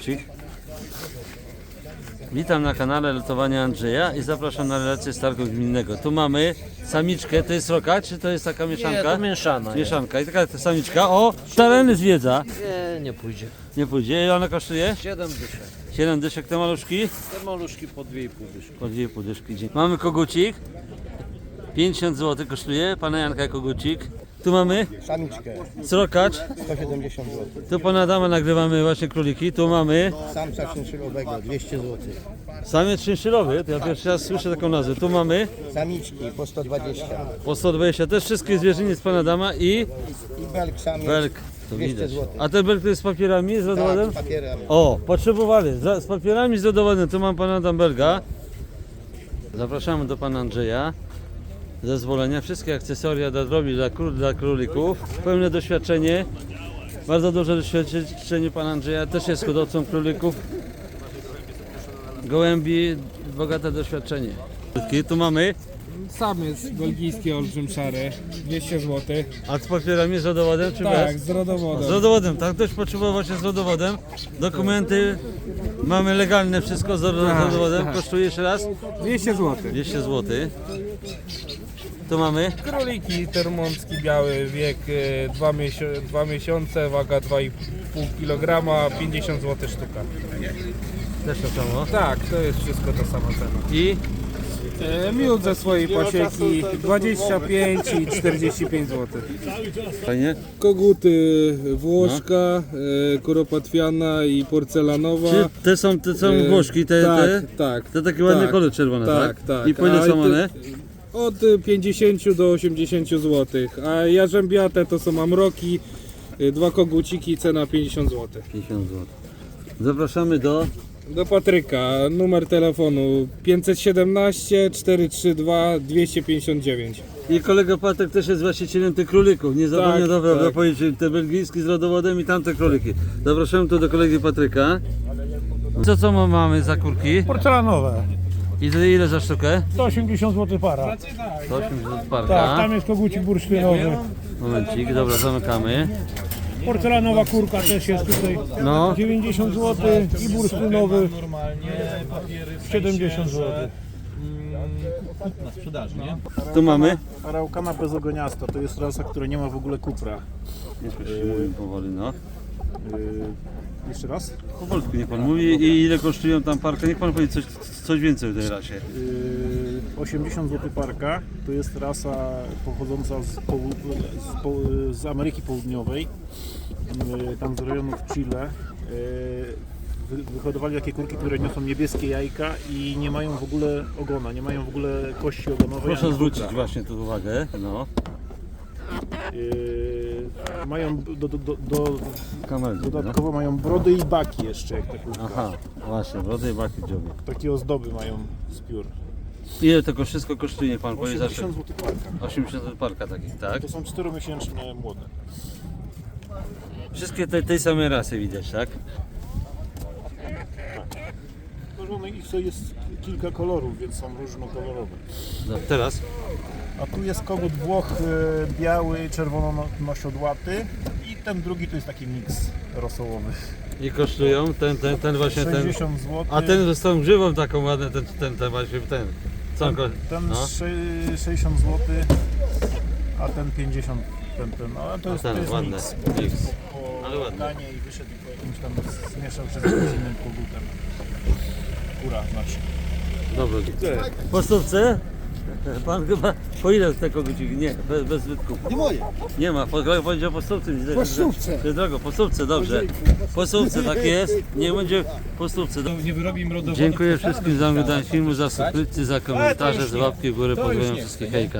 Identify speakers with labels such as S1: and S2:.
S1: kogucik. Witam na kanale Lotowania Andrzeja i zapraszam na relację z targu gminnego. Tu mamy samiczkę, to jest roka, czy to jest taka mieszanka?
S2: Nie, to mieszana.
S1: Mieszanka i taka samiczka. O, tereny zwiedza.
S2: Nie pójdzie.
S1: Nie pójdzie. Ile ona kosztuje?
S2: 7 dyszek.
S1: 7 dyszek te maluszki?
S2: Te maluszki po 2,5 dyszki.
S1: Po 2,5 dyszki. Mamy kogucik. 50 zł kosztuje. Pana Janka kogucik. Tu mamy
S3: Samiczkę
S1: srokacz.
S3: 170 zł.
S1: Tu pana Adama nagrywamy właśnie króliki. Tu mamy
S3: Samca czynszylowego 200 zł.
S1: samiec szynszylowy. To ja pierwszy raz słyszę taką nazwę. Tu mamy
S3: Samiczki po 120.
S1: po 120. Też wszystkie zwierzyny z pana Adama i
S3: I belk samiec
S1: belk. To
S3: 200
S1: widać.
S3: zł.
S1: A ten belk to jest z papierami, z rodowodem?
S3: Tak, papierami.
S1: O, potrzebowali. Z papierami, z rodowodem. Tu mam pana Adamberga. Zapraszamy do pana Andrzeja. Zezwolenia. Wszystkie akcesoria dla drobi, dla królików. Pełne doświadczenie. Bardzo duże doświadczenie pana Andrzeja. Też jest hodowcą królików. Gołębi. Bogate doświadczenie. Tu mamy.
S4: Samiec belgijski olbrzym szary, 200 zł.
S1: A z papierami, z rodowodem czy
S4: Tak,
S1: bez?
S4: z rodowodem.
S1: Z rodowodem, tak? Ktoś potrzebował właśnie z rodowodem. Dokumenty mamy legalne, wszystko z rodowodem. Kosztuje jeszcze raz?
S4: 200 zł.
S1: 200 zł. Tu mamy
S4: Króliki termomski biały, wiek 2 miesiące, waga 2,5 kg, 50 zł sztuka.
S1: też to samo.
S4: Tak, to jest wszystko ta sama cena.
S1: I
S4: Miód ze swojej pasieki 25 i 45 zł.
S1: fajnie.
S4: Koguty włoszka, kuropatwiana i porcelanowa.
S1: Czy te są Włoszki,
S4: Tak.
S1: te takie ładne kolor czerwone, tak?
S4: Tak.
S1: I po ile są one?
S4: Od 50 do 80 zł, a jarzębiate to są amroki, 2 koguciki, cena 50 zł.
S1: 50 zł. Zapraszamy do
S4: Do Patryka, numer telefonu 517 432 259.
S1: i kolega Patryk też jest właścicielem tych królików. Nie zapomnę
S4: Tak,
S1: dobra,
S4: tak.
S1: powiedzieć, te belgijskie z rodowodem i tamte króliki. Zapraszamy tu do kolegi Patryka. Co mamy za kurki?
S5: Porcelanowe,
S1: I ile za sztukę?
S5: 180 zł para.
S1: 180
S5: Tak,
S1: parka.
S5: tam jest kogucik bursztynowy.
S1: Momencik, dobra, zamykamy.
S5: Porcelanowa kurka też jest tutaj.
S1: No.
S5: 90 zł i bursztynowy 70 zł.
S1: Tu mamy.
S6: Araukana bezogoniasta to jest rasa, która nie ma w ogóle kupra.
S1: Nie słyszy, mówi powoli, no.
S6: Jeszcze raz?
S1: Powolutku niech pan mówi i ile kosztują tam parka. Niech pan powie coś więcej o tej rasie.
S6: 80 zł parka to jest rasa pochodząca z Ameryki Południowej, tam z rejonów Chile. Wyhodowali takie kurki, które niosą niebieskie jajka i nie mają w ogóle ogona, nie mają w ogóle kości ogonowej.
S1: Proszę
S6: ani
S1: zwrócić
S6: kupra.
S1: właśnie tu uwagę. No.
S6: Mają
S1: Kamerę.
S6: dodatkowo mają brody i baki jeszcze, jak te kurka.
S1: Aha, właśnie, brody i baki w dziobie.
S6: Takie ozdoby mają z piór.
S1: Ile to wszystko kosztuje, niech pan powie zawsze?
S6: 80 zł parka.
S1: 80 zł parka takich, tak?
S6: To są 4-miesięczne młode.
S1: Wszystkie tej samej rasy widać, tak?
S6: No, ich jest kilka kolorów, więc są różnokolorowe.
S1: No, teraz
S6: A tu jest kogut Włoch biały, czerwono-nosiodłaty i ten drugi to jest taki miks rosołowy.
S1: i kosztują ten właśnie ten.
S6: 60 zł.
S1: A ten z tą grzywą taką ładną, ten właśnie ten. Co on
S6: Ten
S1: no.
S6: 60 zł, a ten 50. No, a to jest, to
S1: ten
S6: jest
S1: ładny
S6: miks.
S1: miks.
S6: Po
S1: Ale ładny.
S6: Ganie i wyszedł i po jakimś tam zmieszał się z jakimś innym kogutem. Kura znaczy.
S1: Dobra. Po stówce? Pan chyba po ile te koguciki? Nie, bez zbytku.
S3: Nie moje.
S1: Nie ma, powiedział po stówce.
S3: Po stówce.
S1: To jest drogo, po stówce, dobrze. Po stówce, tak jest. Nie będzie po stówce. Dziękuję wszystkim za oglądanie filmu, za subskrypcję, za komentarze, za łapki w górę. Pozdrawiam wszystkich, hejka.